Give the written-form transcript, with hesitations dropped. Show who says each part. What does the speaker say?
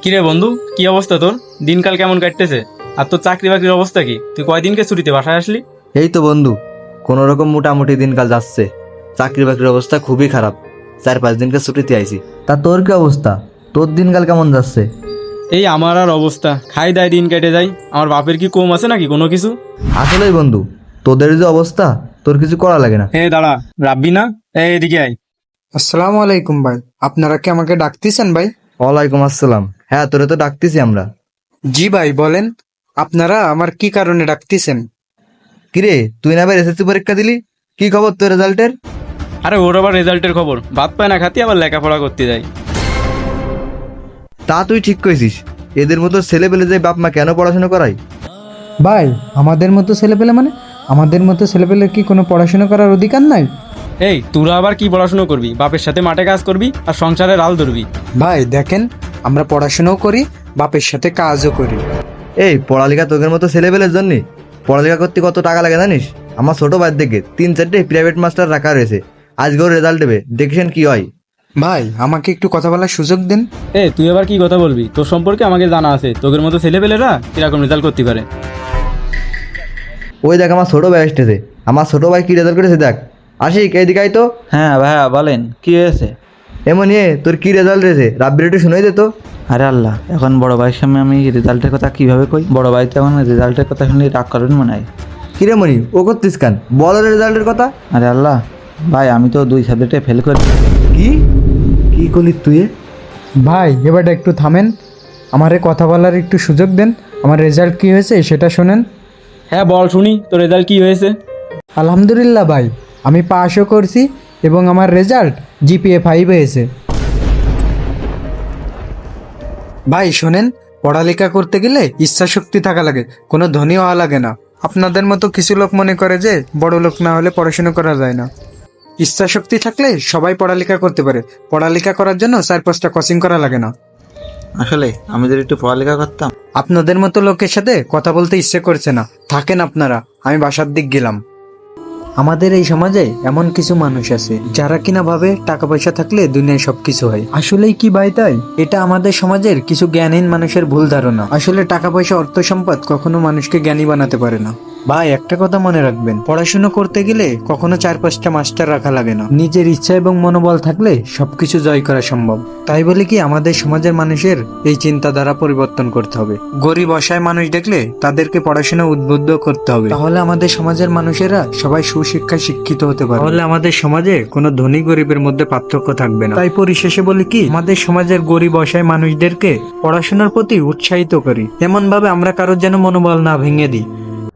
Speaker 1: কিরে বন্ধু, কি অবস্থা তোর? দিনকাল কেমন কাটতেছে? আর তোর চাকরি বাকরির অবস্থা কি? তুই কয়দিনকে ছুটিতে বাসায় আসলি?
Speaker 2: এই তো বন্ধু, কোনো রকম মোটামুটি দিনকাল যাচ্ছে। চাকরি বাকরির অবস্থা খুবই খারাপ। 4-5 দিনকে ছুটিতে আইছি। তা তোর কি অবস্থা? তোর দিনকাল কেমন যাচ্ছে?
Speaker 1: এই আমার আর অবস্থা, খাই দায় দিন কেটে যায়। আমার বাপের কি কম আছে নাকি কোনো কিছু?
Speaker 2: আসলেই বন্ধু, তোদের যে অবস্থা, তোর কিছু করা লাগে না।
Speaker 1: হে দাঁড়া, রাব্বি না? এদিকে আয়।
Speaker 3: আসসালামু আলাইকুম ভাই, আপনারা কি আমাকে ডাকতেছেন ভাই?
Speaker 2: ওয়ালাইকুম আসসালাম। হ্যাঁ, তোরে তো ডাকতেছি আমরা।
Speaker 3: জি ভাই বলেন, আপনারা আমার কি কারণে ডাকতেছেন?
Speaker 2: কিরে, তুই না এবার এসএসসি পরীক্ষা দিলি? কি খবর তোর রেজাল্টের?
Speaker 1: আরে ওর আবার রেজাল্টের খবর, ভাত পায় না খাতি আবার লেখাপড়া করতে যায়।
Speaker 2: তা তুই ঠিক কইছিস। এদের মতো ছেলে পেলে যে বাপ মা কেন পড়াশোনা করায়?
Speaker 3: ভাই আমাদের মতো ছেলেপেলে মানে আমাদের মতো ছেলেপেলের কি কোনো পড়াশোনা করার অধিকার নাই?
Speaker 1: এই তোরা আবার কি পড়াশুনো করবি? বাপের সাথে মাঠে কাজ করবি আর সংসারে রাল ধরবি।
Speaker 3: ভাই দেখেন, আমরা পড়াশোনাও করি, বাপের সাথে কাজও করি।
Speaker 2: এই পড়ালেখা তোদের মতো ছেলে পেলের জন্য পড়ালেখা করতে কত টাকা লাগে জানিস? আমার ছোট ভাই দেখে 3-4টে প্রাইভেট মাস্টার রাখা রয়েছে। আজকেও রেজাল্ট দেবে, দেখছেন কি হয়।
Speaker 3: ভাই আমাকে একটু কথা বলার সুযোগ দিন।
Speaker 1: তুই আবার কি কথা বলবি? তোর সম্পর্কে আমাকে জানা আছে, তোদের মতো ছেলেপেলেরা কিরকম রেজাল্ট করতে পারে।
Speaker 2: ওই দেখ আমার ছোট ভাই আসতেছে। আমার ছোট ভাই কি রেজাল্ট করেছে দেখ। আশিক, এইদিকে আয় তো।
Speaker 4: হ্যাঁ ভাইয়া বলেন, কি হয়েছে?
Speaker 2: এমন তোর কি রেজাল্ট রয়েছে রাব্বির একটু শুনেই দে তো।
Speaker 4: আরে আল্লাহ, এখন বড় ভাইয়ের সামনে আমি রেজাল্টের কথা কিভাবে কই? বড় ভাই তো এখন রেজাল্টের কথা শুনলে রাগ করবেন মনে হয়।
Speaker 2: কিরে মনি, ও করতিস কান, বল ওর রেজাল্টের কথা।
Speaker 4: আরে আল্লাহ ভাই, আমি তো 2 সাবজেক্টে ফেল করি।
Speaker 2: কি কি করলি তুই?
Speaker 3: ভাই এবারটা একটু থামেন, আমারে কথা বলার একটু সুযোগ দেন। আমার রেজাল্ট কি হয়েছে সেটা শোনেন।
Speaker 1: হ্যাঁ বল শুনি, তোর রেজাল্ট কি হয়েছে?
Speaker 3: আলহামদুলিল্লাহ ভাই, আমি পাসও করছি এবং আমার রেজাল্ট জিপিএ 5 হয়েছে। ভাই শোনেন, পড়ালেখা করতে গেলে ইচ্ছা শক্তি থাকা লাগে, কোনো ধনী হওয়া লাগে না। আপনাদের মতো কিছু লোক মনে করে যে বড় লোক না হলে পড়াশোনা করা যায় না। ইচ্ছা শক্তি থাকলে সবাই পড়ালেখা করতে পারে। পড়ালেখা করার জন্য 4-5টা কোচিং করা লাগে না।
Speaker 4: আসলে আমি যদি একটু পড়ালেখা করতাম।
Speaker 3: আপনাদের মতো লোকের সাথে কথা বলতে ইচ্ছে করছে না, থাকেন আপনারা, আমি বাসার দিক গেলাম। আমাদের এই সমাজে এমন কিছু মানুষ আছে যারা কিনা ভাবে টাকা পয়সা থাকলে দুনিয়ায় সবকিছু হয়। আসলেই কি ভাই তাই? এটা আমাদের সমাজের কিছু জ্ঞানহীন মানুষের ভুল ধারণা। আসলে টাকা পয়সা অর্থ সম্পদ কখনো মানুষকে জ্ঞানী বানাতে পারে না। ভাই একটা কথা মনে রাখবেন, পড়াশোনা করতে গেলে কখনো 4-5টা মাস্টার রাখা লাগে না। নিজের ইচ্ছা এবং মনোবল থাকলে সবকিছু জয় করা সম্ভব। তাই বলে কি আমাদের সমাজের মানুষের এই চিন্তাধারা পরিবর্তন করতে হবে। গরিব অসহায় মানুষ দেখলে তাদেরকে পড়াশোনা উদ্বুদ্ধ করতে হবে, তাহলে আমাদের সমাজের মানুষেরা সবাই সুশিক্ষায় শিক্ষিত হতে পারে। তাহলে আমাদের সমাজে কোনো ধনী গরিবের মধ্যে পার্থক্য থাকবে না। তাই পরিশেষে বলি কি, আমাদের সমাজের গরিব অসহায় মানুষদেরকে পড়াশোনার প্রতি উৎসাহিত করি, এমন ভাবে আমরা কারোর যেন মনোবল না ভেঙে দিই।